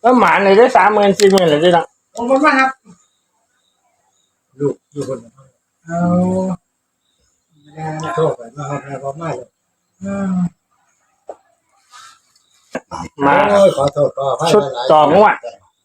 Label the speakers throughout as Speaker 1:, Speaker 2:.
Speaker 1: แล้วหมาเลยได้30,000 40,000เลยที่นั่น
Speaker 2: ขอบคุณมากครับ
Speaker 3: ลูกคน
Speaker 2: เอา
Speaker 3: โทษไปมาครับแล้วก็ไม่เลย
Speaker 1: มา
Speaker 3: โอ้ยขอโทษก็ให้
Speaker 1: ชุด
Speaker 3: หลาย
Speaker 1: ต่องวด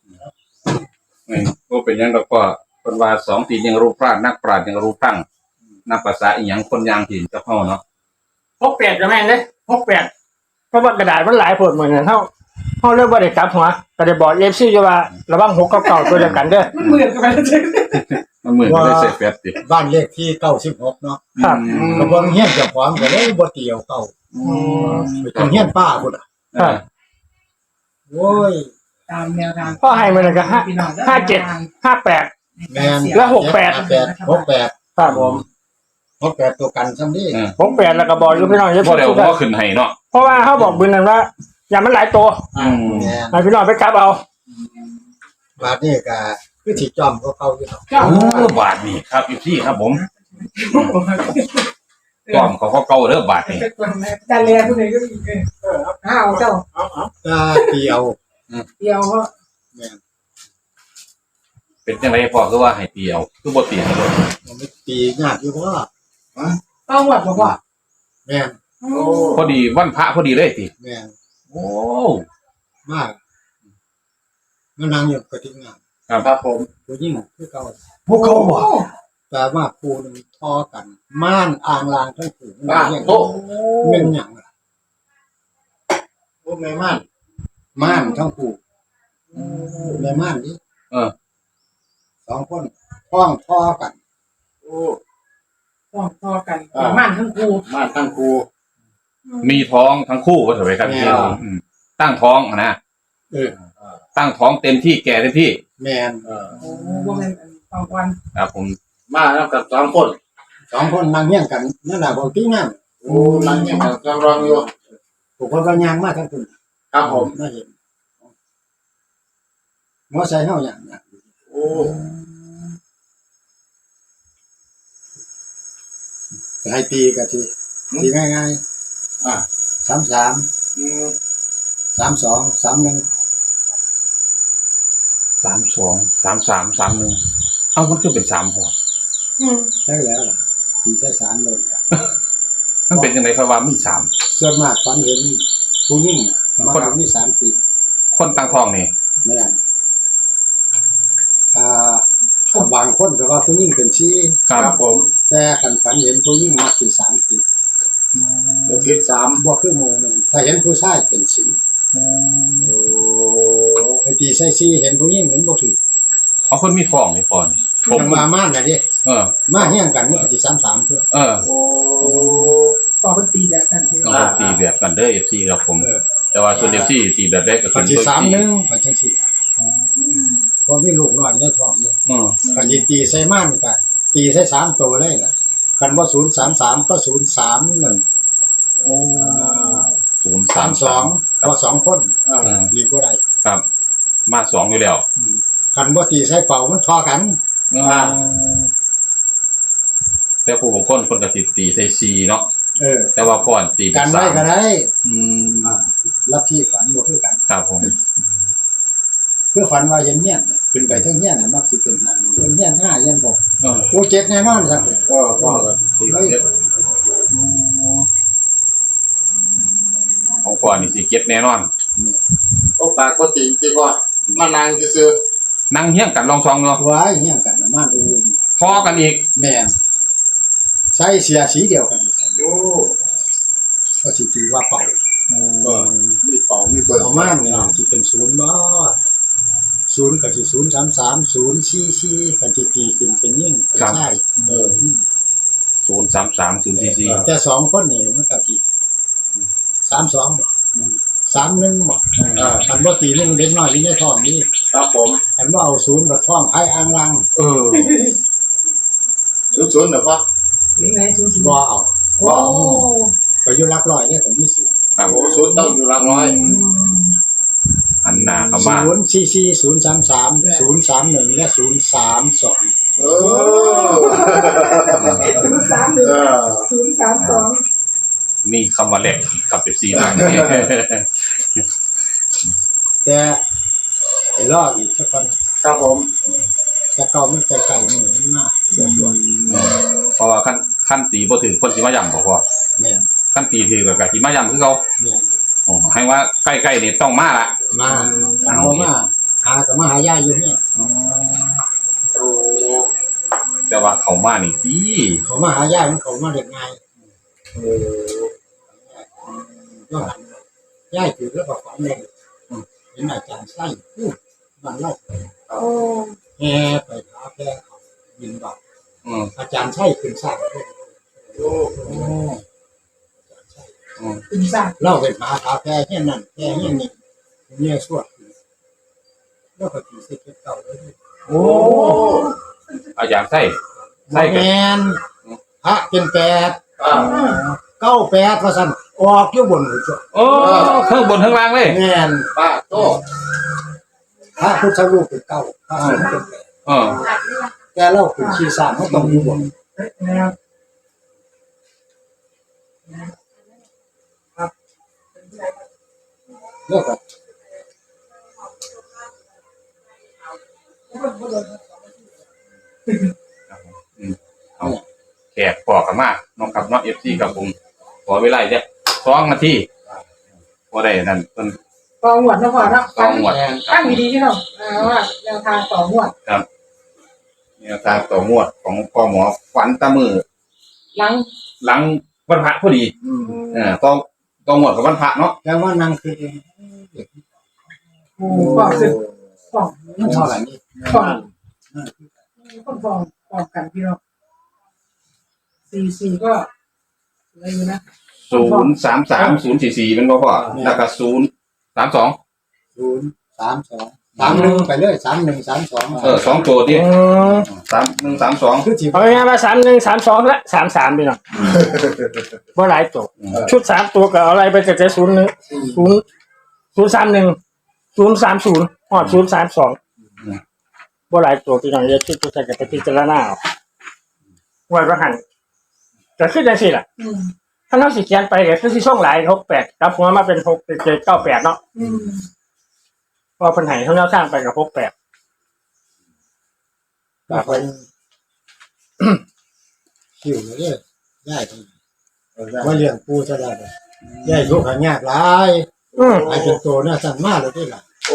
Speaker 4: ก็เป็นยังก็คนว่า2 ตียังรู้พลาดนักปราชญ์ยังรู้ตั้งนักภาษาอีหยังคนยางถิ่นเจ้าพ่อเนาะ
Speaker 1: 68จะแม่นเด้68เพราะว่ากระดาษมันหลายผลเหมือนกันเท่าเรื่องบ่ได้กลับหัวก็ได้บอก FC อยู่ว่าระวัง6กับ9ตัวเดียวกันเด้อ
Speaker 2: มันเหมือนกันไปเลย
Speaker 4: มันเหมือนไม่ได้เสร็จแป๊บดิ
Speaker 3: บ้านเลขที่96เนาะ
Speaker 1: ครับ
Speaker 3: กระเบื้องเฮี้ยนเจ้าของก็เลยบ่เตียวเก่าเป็นเฮี้ยนป้าพุ่นอ่ะ
Speaker 1: ครับ
Speaker 3: โอ้ย
Speaker 2: ตามแนวทาง
Speaker 1: พ่อให้มาเลยก็57 58
Speaker 3: แม่น
Speaker 1: แล้ว68
Speaker 3: 68
Speaker 1: ครับผม
Speaker 3: 68ตัวกันซ้ำนี่
Speaker 1: 68แล้วก็บอกอยู่พี่น้องอย่า
Speaker 4: พอ
Speaker 1: พูด
Speaker 4: เดี๋ยว
Speaker 1: กัน
Speaker 4: ก็ขึ้นให้เนาะ
Speaker 1: เพราะว่าเขาบอกบืนนั้นว่าอย่ามันหลายตัว
Speaker 3: แม่น
Speaker 1: ให้พี่น้องไปกลับเอา
Speaker 3: บาดนี้ก็คือสิจอมเขาเข้าอยู่เนาะ
Speaker 2: เจ้า
Speaker 4: บาทนี่ครับอีพี่ครับผมก้อมเขาเก่าเด้อบาทนี่
Speaker 2: แต่เรียนพวกนี้ก็มีห้าวเจ้า
Speaker 3: ตาเตียว
Speaker 2: เดียวก็
Speaker 3: แม่น
Speaker 4: เป็นจังไรพอคือว่าให้เตียวคือบ่เตียวเลย
Speaker 3: มันไม่ตียากอยู่ว่า
Speaker 2: ต้องวัดบอกว่า
Speaker 3: แม่น
Speaker 4: พอดีวันพระพอดีเลยติ
Speaker 3: แม่น
Speaker 4: โอ้
Speaker 3: มากมันนั่งอยู่กระทิงงาน
Speaker 4: ครับผม
Speaker 3: ผู้ยิ่งคือเก่าพวกเขาบ่แต่ว่าคู่นึงทอกันม่านอ่างลางทั้งคู่มันเรียกเป็นหยังล่ะโอ้แม่ม่านม่านทั้งคู่แม่ม่านนี่2คนท้องทอกัน
Speaker 2: ต้องพอกันมั่นทั้งคู่
Speaker 3: ม่านทั้งคู่
Speaker 4: มีท้องทั้งคู่ว่าเถอะไปครับ
Speaker 3: แม่
Speaker 4: พี่ตั้งท้องนะ
Speaker 3: เออ
Speaker 4: ตั้งท้องเต็มที่แก่เต็มที่
Speaker 3: แม่น
Speaker 2: โอ้พวกนั้นต้องวัน
Speaker 4: ครับผม
Speaker 5: มาแล้วกับ2 คน
Speaker 3: 2คนนั่งเฮี้ยงกันนั่นน่ะบ่ติงนั่น
Speaker 5: โอ้หลังเนี่ยกำลังอยู่
Speaker 3: ผู้คนก็ย่างมาทั้งคู่
Speaker 5: ครับผม
Speaker 3: น่าเห็นมอไซค์เฮาอย่างน่ะ
Speaker 5: โอ้
Speaker 3: ก็ให้ตีก็ทีตีง่าย
Speaker 5: อ่า
Speaker 3: ๆ33 32 31
Speaker 4: 32 33 31เอ้ามันคือเป็น3พอ
Speaker 3: ใช่แล้วล่ะตีใช้3เลยล่ะ
Speaker 4: มันเป็นจังได๋ครับว่ามี3
Speaker 3: ส่วนมากฝันเห็นผู้หญิงน่ะมาทำนี่3 ปี
Speaker 4: คนตั้งท้องนี่
Speaker 3: แม่นบางคนก็ว่าผู้หญิงเป็นชี้
Speaker 4: ครับผม
Speaker 3: แต่คันฝันเห็นผู้หญิงมักสิ3 ปี
Speaker 5: เดี๋ยวคิด3
Speaker 3: บ่คือหมู่แม่นถ้าเห็นผู้ชายเป็น4
Speaker 5: โอ้
Speaker 3: ไอ้ตีใส่4เห็นผู้หญิงมันบ่ถูก
Speaker 4: เพราะคนมีท้องนี่ก่อนผ
Speaker 3: ผม มมาม่านน่ะดิ มาเฮี้ยงกันมันก็สิ33เด้อ
Speaker 5: โอ้
Speaker 2: ต่อเป็นตีแบบนั้น
Speaker 4: ต้องตีแบบกันเด้อ FC ครับผม แต่ว่าส่วน FC ตีแบบได้ก็
Speaker 3: ก็
Speaker 4: คือ
Speaker 3: สิ
Speaker 4: ตัว
Speaker 3: 31มันจังซี่พอมีลูกน้อยในท้องเด้ คันสิตีใส่ม่านก็ตีใส่3ตัวเลยล่ะคันบ่033ก็031
Speaker 4: โอ้
Speaker 3: 32พอ2คนดีกว่าได้
Speaker 4: ครับมา2อยู่แล้ว
Speaker 3: คันบ่ตีใส่เป่ามันทอกัน
Speaker 4: แต่ผู้บางคนก็สิตีใส่4เนาะ แต่ว่าก่อนตีเป็
Speaker 3: กัน
Speaker 4: น
Speaker 3: ไว้ก็
Speaker 4: 3
Speaker 3: ได้
Speaker 4: อืม
Speaker 3: ลัทธิฝันบ่คือกัน
Speaker 4: ครับผม
Speaker 3: คือฝันว่าเห็นเฮียนขึ้นไปเทิงเฮียนน่ะมักสิเป็น5เทิงเฮียน5เฮียน6
Speaker 4: เออ
Speaker 3: โอ้7แน่นอนครับ
Speaker 5: ก็พ่อก็ตีเจ็ด
Speaker 4: ของก่อนนี่สิเก็บแน่นอน
Speaker 5: โอ้ปากบ่ตีจริงว่ามานั่งซื่อ
Speaker 4: นั่งเฮี้ยงกันลองซองเนาะ
Speaker 3: ไว้เฮียนกันน่ะม่านอื่น
Speaker 4: พอกันอีก
Speaker 3: แม่นใส่เสียสีเดียวกันนี่ครับ
Speaker 5: โอ้
Speaker 3: ก็สิตีว่าเป่า
Speaker 5: ก็มีเป่ามีเบิด
Speaker 3: ประมาณนี่สิเป็น0บ่0ก็สิ033 044กันสิตีขึ้นเป็นยิ่งเป็นชาย
Speaker 4: 033 044
Speaker 3: แต่2คนนี่มันก็สิ32บ่31บ่คันบ่ตีนึงเด็กน้อยอยู่ในท้องนี่
Speaker 5: ครับผม
Speaker 3: คันบ่เอา0บัดท้องไผอ่างลัง
Speaker 5: ศูนย์เหรอพ่อ
Speaker 2: นี่ไงศูนย์
Speaker 3: บ่เอา
Speaker 2: โอ้
Speaker 3: ก็อยู่หลักร้อยเนี่ยก็มี0
Speaker 4: ครับ
Speaker 5: โอ้ศูนย์ต้องอยู่หลักร้อย
Speaker 4: อันหน้าเข้ามา
Speaker 3: 044 033 031และ032
Speaker 5: เออ
Speaker 2: 031 032
Speaker 4: มีคำว่าแหลกครับ FC นะ
Speaker 3: แต่ไปรออีกสักคน
Speaker 5: ครับผม
Speaker 3: จะเก่ามันไกลๆมือมันมากเชื่อส่วน
Speaker 4: เพราะว่าขั้นตีบ่ถือคนสิมาย่ำบ่พอ
Speaker 3: เนี่ย
Speaker 4: ขั้นตีถือกับสิมาย่ำคือเขา
Speaker 3: เนี่ย
Speaker 4: โอ้ให้ว่าใกล้ๆนี่ต้องมาละ
Speaker 3: มาเอามาหาแต่มาหายาอยู่เนี่ย
Speaker 5: โอ้
Speaker 4: แต่ว่าเขามานี่ดี
Speaker 3: เขามาหายามันเขามาเด็กไง
Speaker 5: โอ้
Speaker 3: ก็ย่ายถือแล้วก็ฝันเลยเห็นอาจารย์ไส้พูดมันเล่า
Speaker 2: โอ้
Speaker 3: แห่ไปหาแพงเขาบินบาท อาจารย์ไส้ขึ้นสร้างด้วย
Speaker 5: โอ้
Speaker 2: ตื่นสร้าง
Speaker 3: เล่าไปหาแพงแค่นั้นแค่นี้นี่เนี่ยสวดแล้วก็ถือเส้นเก่าเลย
Speaker 4: โอ้อาจารย์ไส้
Speaker 3: แมนพระเป็นแปด
Speaker 5: อ่า
Speaker 3: 98ว่าซั่นออกอยู่บนหัวจ้ะ
Speaker 4: โอ้เครื่องบนเครื่องล่างเลย
Speaker 3: แม่น
Speaker 5: ป้าโต
Speaker 3: พระพุทธรูปเป็นเก้าพระสงฆ์เป็นแปด
Speaker 4: เออ
Speaker 3: แต่เราเป็นขี้สร้างเขาต้องอยู่บน
Speaker 2: นะครับ
Speaker 3: แล้วก็
Speaker 4: แขกปอกกันมากน้องกับน้องเอฟซีกับผมขอเวลาจะ2 นาทีพอได้นั่นเพิ่น
Speaker 2: ต่อหวดนะพ่อเนาะ
Speaker 4: ต้องหมด
Speaker 2: ตั้งดีๆที่เราว่าแนวทางต่อหวด
Speaker 4: เนี่ยตามต่องวดของพ่อหมอฝันตะมือ
Speaker 2: หลัง
Speaker 4: หลังวันพระพอดีต้องหมดกับวันพระเนาะ
Speaker 3: แต่ว่านางคือ
Speaker 2: ฟองซึ่งฟอง
Speaker 3: มันเท่าไหร่นี่
Speaker 2: ฟองคนฟองกันพี่น้อง44ก็อะไรอยู่นะ
Speaker 4: 033 044เป็นบ่พ่อแล้วก็032
Speaker 3: 032 31ไปเลย3132
Speaker 4: 2ตัวดิ3132
Speaker 3: คือสิ
Speaker 1: เอาง่ายๆว่า3132และ33พี่น้องบ่หลายตัวชุด3ตัวก็เอาอะไรไปแต่01 031 030ฮอด032บ่หลายตัวพี่น้องอย่าคิดตัวใส่กับไปพิจารณาเอาไว้ว่าหั่นก็คือจังซี่ล่ะถ้าเราสิเขียนไปก็คือสิส่งหลาย68กลับหัวมาเป็น6 7 98เนาะพอเพิ่นให้เฮาแนวสร้างไปกับ68
Speaker 3: ก็เป็นคิวเลยย่ายว่าเลี้ยงปูซะแล้วย่ายทุกข์ยากหลายไอ้เป็นโตน่าสั่นมากเลยที่ล่ะ
Speaker 5: โอ้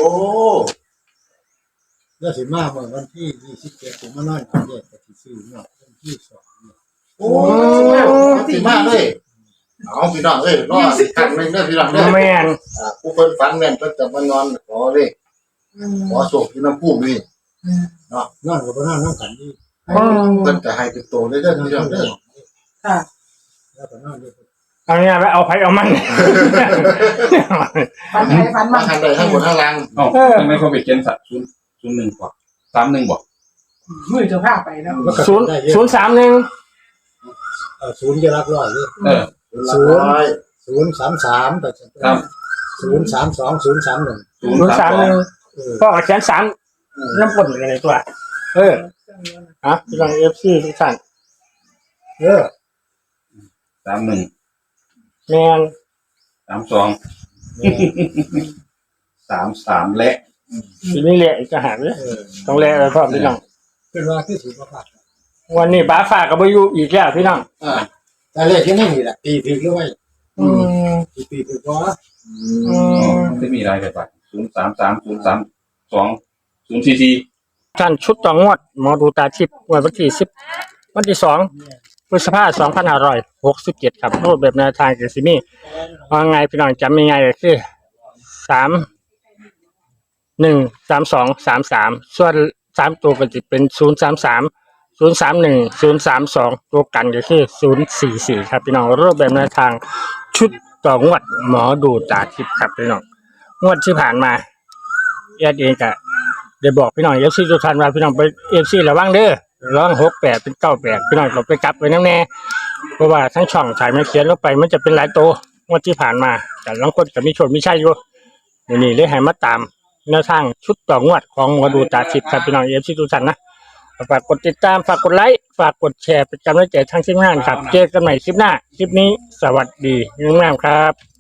Speaker 3: แล้วสิมาเมื่อวันที่27ผมมานอนกับแยกกับที่ซื้อเนาะวันที่2เนี่ย
Speaker 5: โอ้สิมากเลยเอาพี่น้องเอ้ยรอสิกันนึงเด้อพี่น้องเด้อ
Speaker 1: แม่น
Speaker 5: ผู้เพิ่นฝันแม่นเพิ่นจะมานอนขอเลยขอโชคที่น้ำพุ่มนี่
Speaker 3: นอนกับบ่นอนน้ำกันดี
Speaker 5: เพิ่นจะให้เป็นโตเลยเด้อพี่น้องเด้อ
Speaker 2: ค่ะ
Speaker 3: แล้วก็นอนด้วย
Speaker 1: เอาง่ายๆว่าเอาไผเอามัน
Speaker 2: ฟันไทยฟัน
Speaker 5: มา
Speaker 2: มัน
Speaker 5: ทางใดทางบนทางล่าง
Speaker 4: เอ้าทำไมเขาไปเขียนสัตว์01กว่า31บ่
Speaker 2: มือจะพาไปแล้ว
Speaker 3: แล้วก็
Speaker 1: 0
Speaker 3: ได้เยอะ
Speaker 1: 031
Speaker 3: ศูนย์จะรักร้อยเลย 033ไป
Speaker 4: ครับ
Speaker 3: 032 031
Speaker 1: 031พ่อก็เขียน3น้ำพ่นอยู่ในตัวพี่น้อง FC ทุกท่าน
Speaker 4: 31
Speaker 1: แม่น
Speaker 4: 32 33และ
Speaker 1: ทีนี้แหละอีกจะหาเลยต้องแลไปพร้อมพี่น้อง
Speaker 3: ขึ้นว่าคือสิบ่พลาด
Speaker 1: วันนี้ป้าฝากก็บ่อยู่อีกแล้วพี่น้อง
Speaker 3: แต่เลขที่นี่นี่แหละตีถึงด้วย ตีถึงพอ
Speaker 4: มันจะมีรายไปป่ะ033 032 044
Speaker 1: ท่านชุดต่องวดหมอดูตาทิพย์วันที่10วันที่2พฤษภาคม2567ครับรูปแบบแนวทางก็สิมีว่าไงพี่น้องจำง่ายๆก็คือ313233ส่วน3ตัวก็จะเป็น033 031 032ตัวกันก็คือ044ครับพี่น้องรูปแบบแนวทางชุดต่องวดหมอดูตาทิพย์ครับพี่น้องงวดที่ผ่านมาเองก็ได้บอกพี่น้องFCทุกท่านว่าพี่น้องไป FC ระวังเด้อร้อง68เป็น98พี่น้องก็ไปกลับไว้นำแน่เพราะว่าทั้งช่องถ่ายมาเขียนลงไปมันจะเป็นหลายตัวงวดที่ผ่านมาแต่บางคนก็มีโชคมีชัยอยู่นี่เลยให้มาตามแนวทางชุดต่องวดของหมอดูตาทิพย์ครับพี่น้อง FC ทุกท่านนะฝากกดติดตามฝากกดไลค์ฝากกดแชร์เป็นกำลังใจทั้งทีมงานครับเจอกันใหม่คลิปหน้าคลิปนี้สวัสดีงามๆครับ